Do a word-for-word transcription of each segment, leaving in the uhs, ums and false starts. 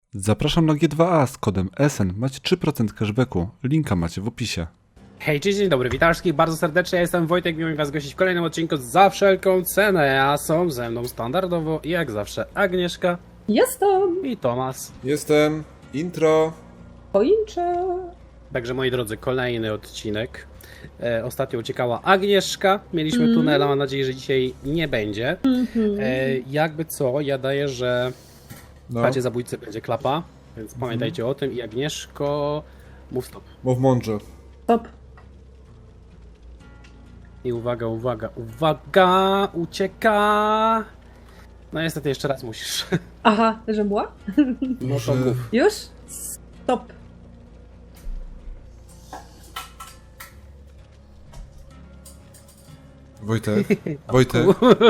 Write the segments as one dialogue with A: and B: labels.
A: Zapraszam na G dwa A z kodem S N. Macie trzy procent cashbacku. Linka macie w opisie.
B: Hej, cześć, dzień dobry, witam wszystkich bardzo serdecznie, ja jestem Wojtek, miło mi was gościć w kolejnym odcinku Za wszelką cenę, a są ze mną standardowo i jak zawsze Agnieszka
C: Jestem!
B: i Tomas.
D: Jestem. Intro.
C: Poinczę!
B: Także moi drodzy, kolejny odcinek. E, ostatnio uciekała Agnieszka, mieliśmy
C: Mm.
B: tunela, mam nadzieję, że dzisiaj nie będzie.
C: Mhm.
B: E, jakby co, ja daję, że w
D: No,
B: padzie zabójcy będzie klapa, więc pamiętajcie o tym i Agnieszko, mów stop.
D: mów mądrze.
C: Stop.
B: I uwaga, uwaga, uwaga, ucieka! No niestety jeszcze raz musisz.
C: Aha, że była?
B: No to
D: Że-
B: mów.
C: Już? Stop.
D: Wojtek. Wojtek.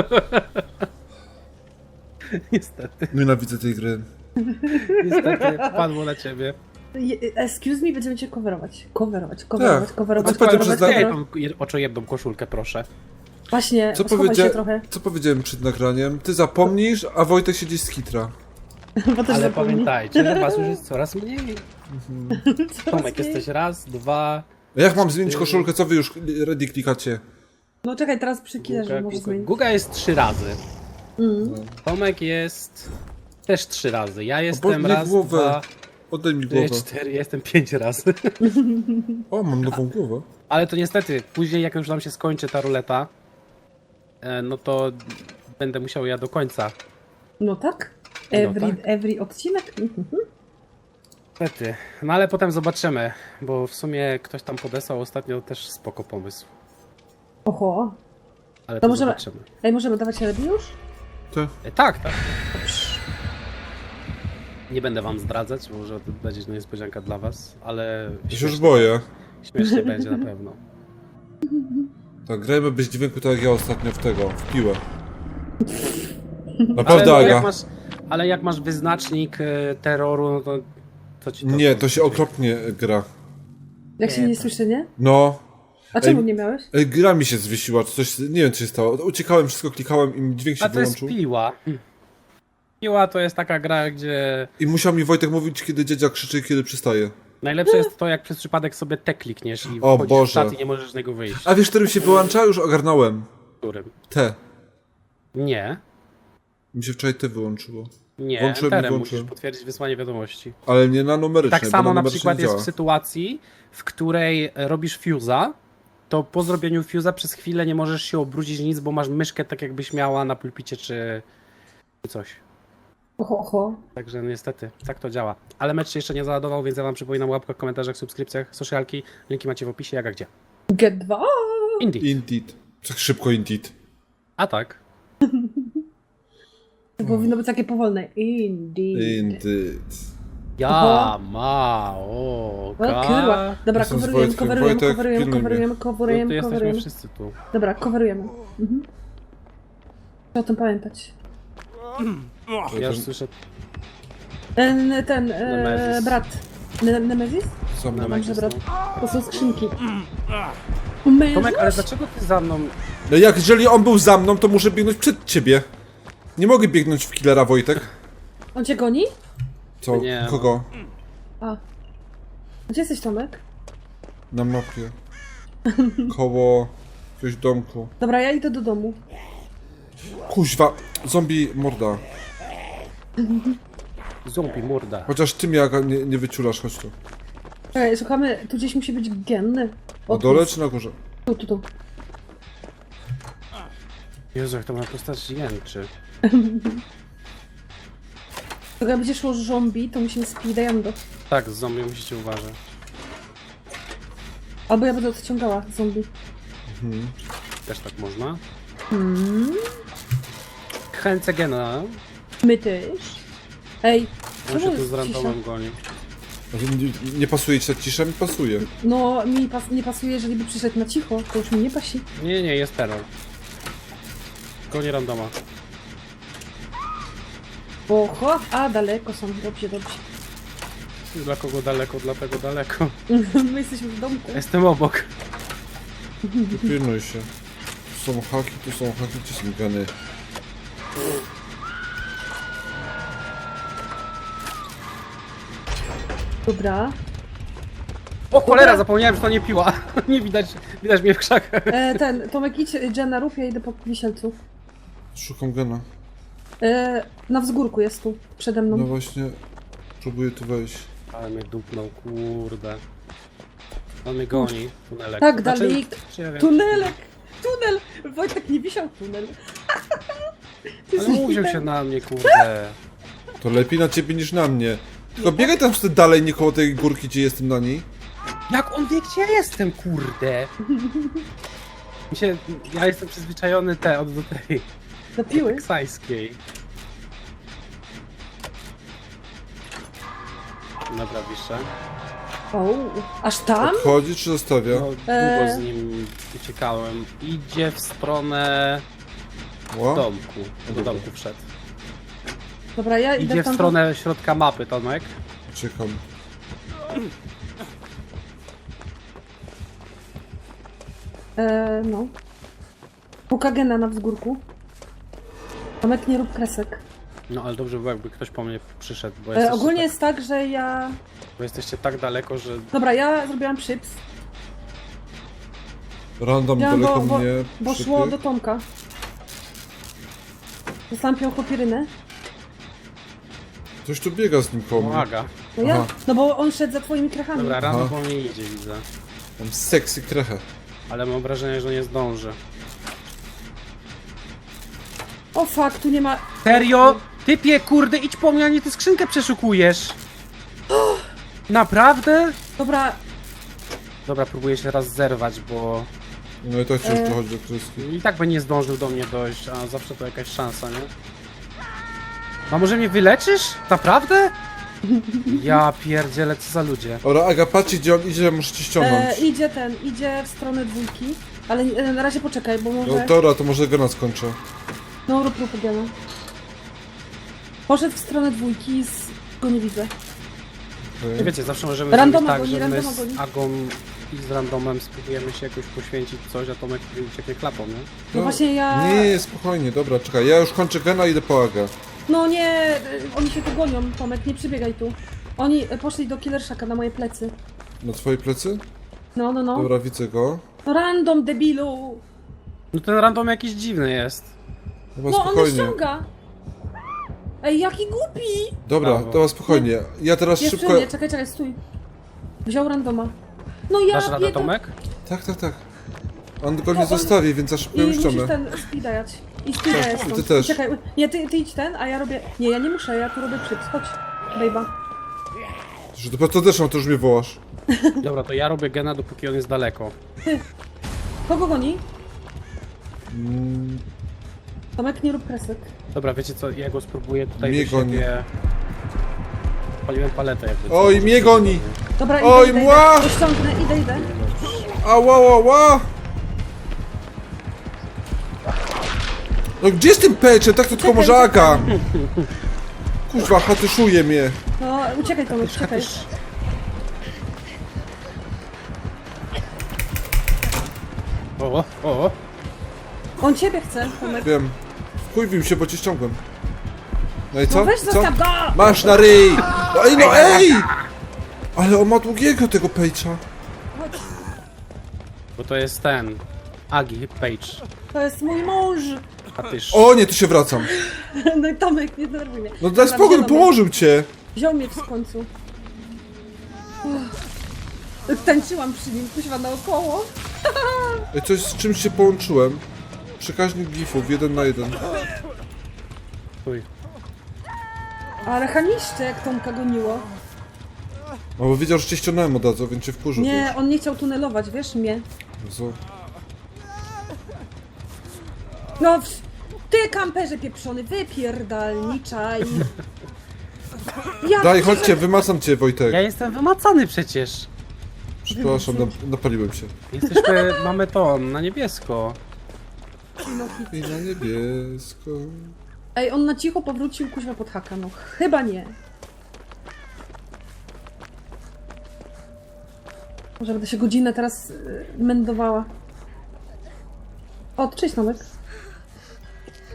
B: Niestety,
D: Nienawidzę tej gry.
B: niestety padło na ciebie.
C: Je- Excuse me, będziemy cię coverować. Coverować, coverować,
D: Tak.
C: coverować,
D: A co powiedział, że
C: coverować,
D: zna-
B: Daj
C: coverować.
B: tą oczojebną koszulkę, proszę.
C: Właśnie,
D: Co,
C: schowaj
D: powiedzia...
C: się trochę,
D: Co powiedziałem przed nagraniem? Ty zapomnisz, a Wojtek siedzi z kitra.
C: bo też
B: Ale
C: zapomnij.
B: pamiętajcie, że was już jest coraz mniej.
C: Coraz
B: Tomek,
C: mniej.
B: jesteś raz, dwa...
D: A jak mam zmienić koszulkę? Co wy już ready klikacie?
C: No czekaj, teraz przy killerze
B: Guga,
C: może
B: Guga.
C: zmienić.
B: Guga jest trzy razy.
C: Mm.
B: Tomek jest też trzy razy. Ja jestem
D: Podnieś
B: raz,
D: głowę.
B: dwa,
D: Oddaj mi
B: trzy,
D: głowę.
B: cztery, jestem pięć razy.
D: O, mam nową głowę.
B: Ale to niestety, później jak już nam się skończy ta ruleta, e, no to będę musiał ja do końca.
C: No tak?
B: No
C: Every,
B: tak.
C: every odcinek? Mhm.
B: Niestety. No ale potem zobaczymy, bo w sumie ktoś tam podesłał ostatnio też spoko pomysł.
C: Oho.
B: Ale
C: To
B: to
C: możemy-
B: zobaczymy.
C: Ej, możemy dawać radę już?
D: Ty.
B: E, tak, tak. Nie będę wam zdradzać, może to będzie niespodzianka dla was, ale
D: Ja się już
B: śmiesznie,
D: boję.
B: śmiesznie będzie na pewno.
D: Tak, grajmy bez dźwięku tak jak ja ostatnio w tego, w piłę. Naprawdę,
B: ale,
D: Aga.
B: jak masz, ale jak masz wyznacznik e, terroru, no to co ci to...
D: Nie, to się okropnie gra.
C: Jak się
B: Nie,
C: nie
B: to-
C: słyszy, nie?
D: No.
C: A czemu
D: Ej.
C: nie miałeś?
D: Ej, gra mi się zwiesiła, czy coś, nie wiem co się stało. Uciekałem, wszystko klikałem i mi dźwięk się
B: A to jest
D: wyłączył.
B: piła. Piła to jest taka gra, gdzie
D: I musiał mi Wojtek mówić, kiedy dziadzia krzyczy i kiedy przystaje.
B: najlepsze jest to, jak przez przypadek sobie te klikniesz i
D: O
B: wchodzisz
D: Boże.
B: w czat i nie możesz z niego wyjść.
D: A wiesz, którym się wyłącza? Już ogarnąłem.
B: Którym?
D: Te.
B: Nie.
D: Mi się wczoraj te wyłączyło.
B: Nie,
D: Włączyłem i
B: enterem
D: włączyłem.
B: musisz potwierdzić wysłanie wiadomości.
D: Ale nie na numerycznie.
B: Tak
D: bo
B: samo na
D: numerycznie
B: przykład
D: nie
B: jest
D: działa.
B: w sytuacji, w której robisz fuse'a, to po zrobieniu fuse'a przez chwilę nie możesz się obrócić nic, bo masz myszkę tak jakbyś miała na pulpicie czy czy coś.
C: Oho, oho.
B: Także niestety, tak to działa. Ale mecz się jeszcze nie załadował, więc ja wam przypominam o łapkach, komentarzach, subskrypcjach, socialki. Linki macie w opisie, jak a gdzie.
C: Get dwa.
B: Indeed.
D: Indeed. Tak szybko Indeed.
B: A tak.
C: To powinno być takie powolne. Indeed.
D: Indeed.
B: Ja
C: Oho.
B: ma o
C: O kurwa. Dobra,
D: Jestem z
C: coverujemy,
D: Wojtkiem.
C: coverujemy,
D: Wojtek,
C: coverujemy,
D: pilnuj mnie.
C: coverujemy,
B: No to
C: coverujemy,
B: jesteśmy
C: coverujemy.
B: wszyscy tu.
C: Dobra, coverujemy. Mhm. Trzeba o tym pamiętać.
B: Ja już słyszę
C: Ten, ten, e,
B: Nemezis.
C: brat. Ne Nemezis?
D: Sam
B: No,
D: na
C: Dobrze,
B: jest,
C: brat.
B: no.
C: To są skrzynki. Mężuś?
B: Tomek, ale dlaczego ty za mną...
D: No jak, jeżeli on był za mną, to muszę biegnąć przed ciebie. Nie mogę biegnąć w killera, Wojtek.
C: On cię goni?
D: Co?
B: Nie, no.
D: Kogo?
C: A. Gdzie jesteś, Tomek?
D: Na mapie. Koło... jakiegoś domku.
C: Dobra, ja idę do domu.
D: Kuźwa, zombie morda.
B: Zombie morda.
D: Chociaż ty mnie Aga, nie, nie wyciulasz, chodź tu.
C: Czekaj, szukamy, tu gdzieś musi być genny.
D: Na
C: O,
D: dole czy na górze?
C: Tu, tu, tu.
B: Jezu, jak to ma postać jęczy.
C: Jak będzie szło zombie, to musimy speedajando.
B: Tak, z zombie musicie uważać.
C: Albo ja będę odciągała zombie.
B: Też tak można.
C: Hmm.
B: Chęcę gena.
C: My też. Ej,
B: On
C: czemu
B: się tu
C: jest
B: z randomem
C: cisza?
B: goni.
D: Nie, nie pasuje ci ta cisza? Mi pasuje.
C: No, mi pas nie pasuje, jeżeli by przyszedł na cicho, to już mi nie pasi.
B: Nie, nie, jest terror. Goni randoma.
C: Oho, a daleko są, dobrze, dobrze.
B: Dla kogo daleko, dlatego daleko.
C: My jesteśmy w domku.
B: Jestem obok.
D: Pilnuj się. Tu są haki, tu są haki, tu są gany.
C: Dobra.
B: O cholera,
C: Dobra.
B: zapomniałem, że to nie piła. Nie widać, widać mnie w krzakach.
C: E, ten, Tomek, idź Jenna, rób, ja idę po wisielcu.
D: Szukam gena.
C: E, na wzgórku jest tu, przede mną.
D: No właśnie, próbuję tu wejść.
B: Ale mnie dupnął, kurde. On mnie goni, tunelek.
C: Tak,
B: Znaczy,
C: dalej.
B: czy ja wiem,
C: Tunelek! Tunel! Wojtek nie wisiał tunel. Ty
B: Ale
C: jesteś
B: mówił
C: hitem.
B: się na mnie, kurde.
D: To lepiej na ciebie niż na mnie. Tylko biegaj tam wtedy dalej, nie koło tej górki, gdzie jestem na niej.
B: Jak on wie, gdzie ja jestem, kurde? Mi się, ja jestem przyzwyczajony te, od do tej
C: Do piły?
B: teksańskiej. Dobra, wiszę.
C: O, aż tam?
D: Odchodzi czy zostawia?
B: No, długo
C: Eee.
B: z nim uciekałem. Idzie w stronę
D: Ła?
B: domku. Do domku wszedł.
C: Dobra, ja idę
B: Idzie w
C: tam.
B: stronę środka mapy, Tomek.
D: Czekam.
C: E, no. Pukagena na wzgórku. Tomek, nie rób kresek.
B: No ale dobrze by było, jakby ktoś po mnie przyszedł, bo, jesteście
C: E, ogólnie
B: tak,
C: jest tak, że ja...
B: bo jesteście tak daleko, że...
C: Dobra, ja zrobiłam przyps,
D: Random
C: Ja, bo-
D: daleko
C: bo-
D: mnie
C: bo
D: przytyk.
C: szło do Tomka. Dostałam piochopirynę.
D: Ktoś tu biega z nim koło mnie.
B: Pomaga.
C: No ja,
D: Aha.
C: no bo on szedł za twoimi krachami.
B: Dobra, rano
D: Aha.
B: po mnie idzie, widzę.
D: Mam sexy krechę.
B: Ale mam wrażenie, że nie zdąży.
C: O fuck, tu nie ma...
B: Serio? Typie, kurde, idź po mnie, a nie ty skrzynkę przeszukujesz. Naprawdę?
C: Dobra,
B: Dobra, próbuję się teraz zerwać, bo
D: No i tak wciąż
C: E.
D: dochodzi do kreski.
B: i tak by nie zdążył do mnie dojść, a zawsze to jakaś szansa, nie? A może mnie wyleczysz? Naprawdę? Ja pierdzielę, co za ludzie.
D: Ora, Aga, patrzcie gdzie on idzie, muszę cię ściągnąć.
C: e, idzie ten, idzie w stronę dwójki. Ale e, na razie poczekaj, bo
D: No
C: może...
D: dobra, to może gena skończę.
C: No rób rób Gena. Poszedł w stronę dwójki, z... go nie widzę.
D: Okej.
B: Wiecie, zawsze możemy
C: Randoma
B: zrobić tak,
C: goni,
B: że my
C: randoma
B: z
C: goni.
B: Agą i z randomem spróbujemy się jakoś poświęcić coś, a Tomek ucieknie klapą, nie?
C: No właśnie ja...
D: Nie, spokojnie, dobra, czekaj, ja już kończę gena i idę po Agę.
C: No nie, e, oni się tu gonią, Tomek, nie przybiegaj tu. Oni e, poszli do Killershaka na moje plecy.
D: Na twoje plecy?
C: No, no, no.
D: Dobra, widzę go.
C: No random, debilu!
B: No ten random jakiś dziwny jest.
D: Chyba
C: No on mnie
D: spokojnie.
C: ściąga! Ej, jaki głupi!
D: Dobra,
B: Brawo.
D: dobra, spokojnie. Ja teraz
C: Jeszcze
D: szybko...
C: nie, czekaj, czekaj, stój. Wziął randoma. No ja
B: Dasz radę,
C: bieda-
B: Tomek?
D: Tak, tak, tak. On go
C: To
D: nie
C: on-
D: zostawi, więc za szybko
C: I
D: ją
C: musisz
D: ściągnę.
C: ten speedajać. I speedajać
D: ty
C: stąd.
D: też.
C: Czekaj, nie, ty, ty idź ten, a ja robię... Nie, ja nie muszę, ja tu robię przyps. Chodź, bejba.
D: Że dopiero to też mam, to już mnie wołasz.
B: Dobra, to ja robię gena, dopóki on jest daleko.
C: Kogo goni?
D: Mm,
C: Tomek, nie rób kresek.
B: Dobra, wiecie co, ja go spróbuję tutaj
D: Mnie
B: do
D: goni.
B: siebie... Paliłem paletę jakby.
D: Oj, mnie goni!
C: Dobra,
D: Oj,
C: idę, idę,
D: mła!
C: idę. Ściągnę, idę, idę.
D: Ała, ała, ała! No gdzie jest tym peczem? Tak to tylko
C: Czekaj,
D: może
C: czekaj.
D: Aga! Kuźwa, hatyszuje mnie.
C: No, uciekaj Tomek, czekaj.
B: O, o,
C: On ciebie chce, Tomek.
D: Wiem. Wkurwił się, bo cię ściągłem. No i co?
C: No weź
D: co?
C: zostaw go!
D: Masz na ryj! No ej, no ej! Ale on ma długiego tego pejcza.
C: Chodź.
B: bo to jest ten... Agi, Page.
C: To jest mój mąż.
B: A tyż...
D: O nie, tu się wracam.
C: No i Tomek, nie denerwuj mnie.
D: No daj
C: Dobra,
D: spokój,
C: wziął mnie.
D: położył cię.
C: Wziął mnie w końcu. Uff. Tańczyłam przy nim, kuźwa naokoło.
D: Ej, coś z czymś się połączyłem. Przekaźnik gifów, jeden na jeden.
B: Uj.
C: Ale chamiszcze, jak Tomka goniło.
D: No bo wiedział, że cię ściągnąłem od razu, więc cię wkurzył.
C: Nie, on nie chciał tunelować, wiesz, mnie.
D: Jezu.
C: No, w- ty kamperze pieprzony, wypierdalniczaj. Ja
D: Daj,
C: ci-
D: chodźcie, wymacam cię, Wojtek.
B: Ja jestem wymacany przecież.
D: Przepraszam, nap- napaliłem się.
B: Jesteśmy, mamy ton na niebiesko.
D: I na niebiesko.
C: Ej, on na cicho powrócił kuźwa pod haka, no chyba nie. Może będę się godzinę teraz y, mędowała. O, cześć Tomek.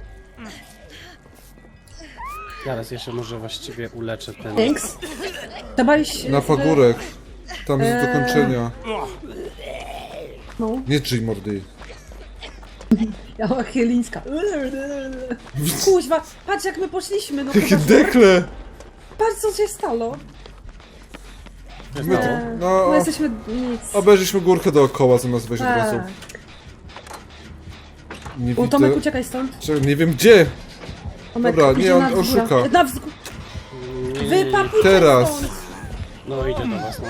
B: Zaraz jeszcze może właściwie uleczę ten...
C: Thanks. Trzeba iść...
D: Na
C: e,
D: pagórek. Tam jest
C: Eee.
D: dokończenia.
C: No,
D: Nie drzyj mordy.
C: ja chylińska. Kuźwa, patrz jak my poszliśmy, no
D: Jakie
C: chyba, że-
D: dekle!
C: Patrz co się stało.
D: My to,
C: Eee,
D: no,
C: my jesteśmy nic.
D: obejrzyliśmy górkę dookoła zamiast wejść od razu.
C: Tak.
D: Nie
C: O,
D: widzę.
C: Tomek, uciekaj stąd.
D: Czekaj, nie wiem gdzie!
C: Tomek,
D: Dobra, nie,
C: idzie
D: on-
C: na
D: on
C: wzgórę.
D: szuka.
C: Na wzgórę. Wypapuj
D: Teraz.
C: stąd.
B: No idzie do was, no.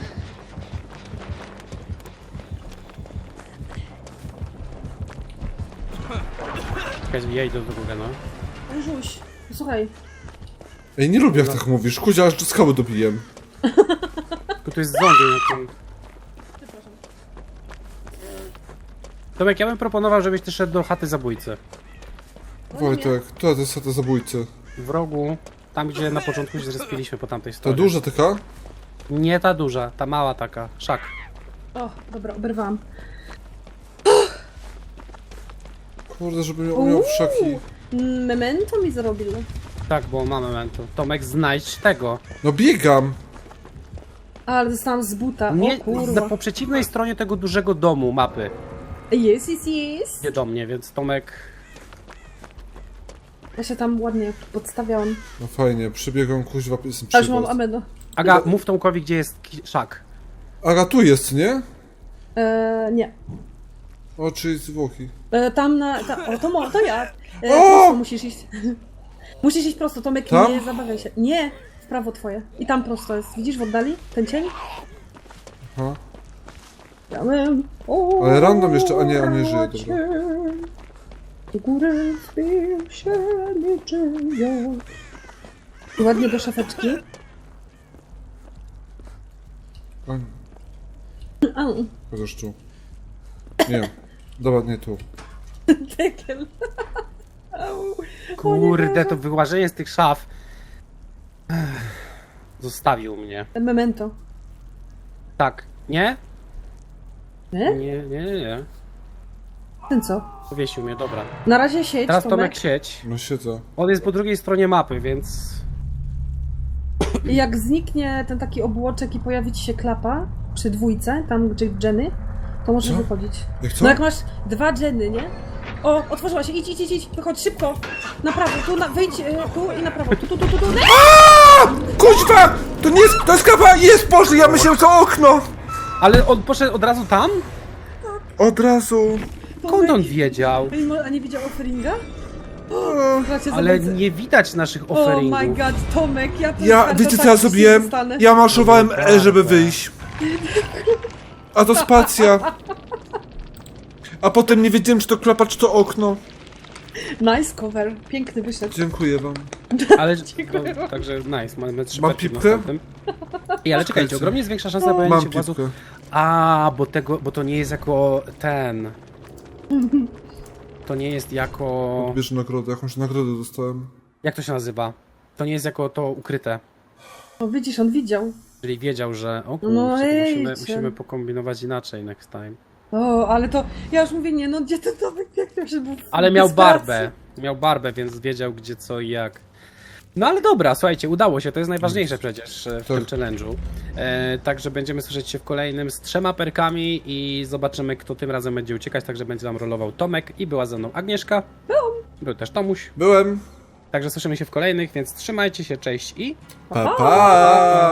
B: Czekaj, ja idę do góry, no.
C: Żuś, słuchaj.
D: Ej, nie lubię jak tak mówisz. Kuzia, aż do skały dobiję.
B: Tylko tu jest zombie na tym. Tomek, ja bym proponował, żebyś ty szedł do chaty zabójcy.
D: Wojtek, to jest to zabójcy.
B: W rogu, tam gdzie na początku się zrespiliśmy po tamtej
D: Ta
B: stronie.
D: duża taka?
B: Nie ta duża, ta mała taka, szak.
C: O, dobra, oberwałam.
D: Kurde, żeby miał, miał wszaki.
C: Memento mi zrobił.
B: Tak, bo mamy momentu. Tomek, znajdź tego.
D: No biegam!
C: Ale dostałam z buta,
B: Nie,
C: o kurwa.
B: na, po przeciwnej stronie tego dużego domu mapy.
C: Jest, jest, jest.
B: Nie do mnie, więc Tomek...
C: Ja się tam ładnie podstawiałam.
D: No fajnie, przybiegam kuźwa, jestem
C: Aż mam
D: przy
C: ameno.
B: Aga, mów Tomkowi, gdzie jest ki- szak.
D: Aga, tu jest, nie?
C: Eee, nie.
D: O, czyli zwłoki.
C: E, tam na... Ta, o, to, mo, to ja. E,
D: O!
C: prosto musisz iść. Musisz iść prosto, Tomek,
D: Tam?
C: nie zabawiaj się. Nie, w prawo twoje. I tam prosto jest. Widzisz w oddali? Ten cień?
D: Aha.
C: Ja bym... O,
D: Ale random jeszcze- a nie, on nie żyje, dobra.
C: Do góry wbił się niczym wiatr. I ładnie do szafeczki.
D: A,
C: Au,
D: chociaż tu. Nie. Dobra, nie tu.
C: tekel. Au.
B: Kurde, to wyłażenie z tych szaf... Ech, zostawił mnie.
C: Memento.
B: Tak, nie?
C: Nie?
B: Nie, nie, nie, nie.
C: Ten co?
B: Powiesił mnie, dobra.
C: Na razie siedź,
B: Teraz
C: Tomek.
B: Tomek sieć.
D: No siedzę.
B: On jest po drugiej stronie mapy, więc...
C: I jak zniknie ten taki obłoczek i pojawi ci się klapa przy dwójce, tam gdzie Jenny, to możesz
D: Co?
C: wychodzić.
D: Jak co?
C: No jak masz dwa Jenny, nie? O, otworzyła się, idź, idź, idź, idź, wychodź szybko! Na prawo, tu, na, wyjdź, y, tu i na prawo, tu, tu, tu, tu, tu.
D: Kuźwa! To nie jest, to jest kapa! Jest, Boże, ja myślałem, to okno!
B: Ale on poszedł od razu tam?
D: Od razu.
B: Skąd on wiedział?
C: A nie- A nie widział offeringa? Bracie,
B: Ale
C: zabójcy.
B: nie widać naszych
C: Oh my
B: offeringów.
C: god, Tomek, ja to
D: Ja, wiecie co ja zrobiłem? Ja maszowałem E, żeby wyjść. A to spacja. A potem nie wiedziałem, czy to klapa, czy to okno.
C: Nice cover, piękny wyszedł.
D: Dziękuję wam.
B: Ale, no, także nice, mamy trzy
D: Mam
B: pety w
D: pipkę?
B: następnym. Ej, ale czekajcie, ogromnie jest większa szansa na pojawienie
D: Mam
B: się włazów.
D: pipkę.
B: A, bo tego, bo to nie jest jako ten... To nie jest jako...
D: Bierz nagrodę, jakąś nagrodę dostałem.
B: Jak to się nazywa? To nie jest jako to ukryte.
C: O, widzisz, on widział.
B: Czyli wiedział, że... O kurczę,
C: No
B: to musimy,
C: ejcie.
B: musimy pokombinować inaczej next time.
C: O, ale to, ja już mówię, nie no, gdzie ten Tomek, jak to się był w
B: Ale miał
C: desperacji.
B: barbę. Miał barbę, więc wiedział gdzie, co i jak. No ale dobra, słuchajcie, udało się, to jest najważniejsze przecież e, w
D: Tak.
B: tym challenge'u. E, także będziemy słyszeć się w kolejnym z trzema perkami i zobaczymy, kto tym razem będzie uciekać. Także będzie nam rolował Tomek i była ze mną Agnieszka. Był też Tomuś.
D: Byłem.
B: Także słyszymy się w kolejnych, więc trzymajcie się, cześć i...
D: Pa, pa.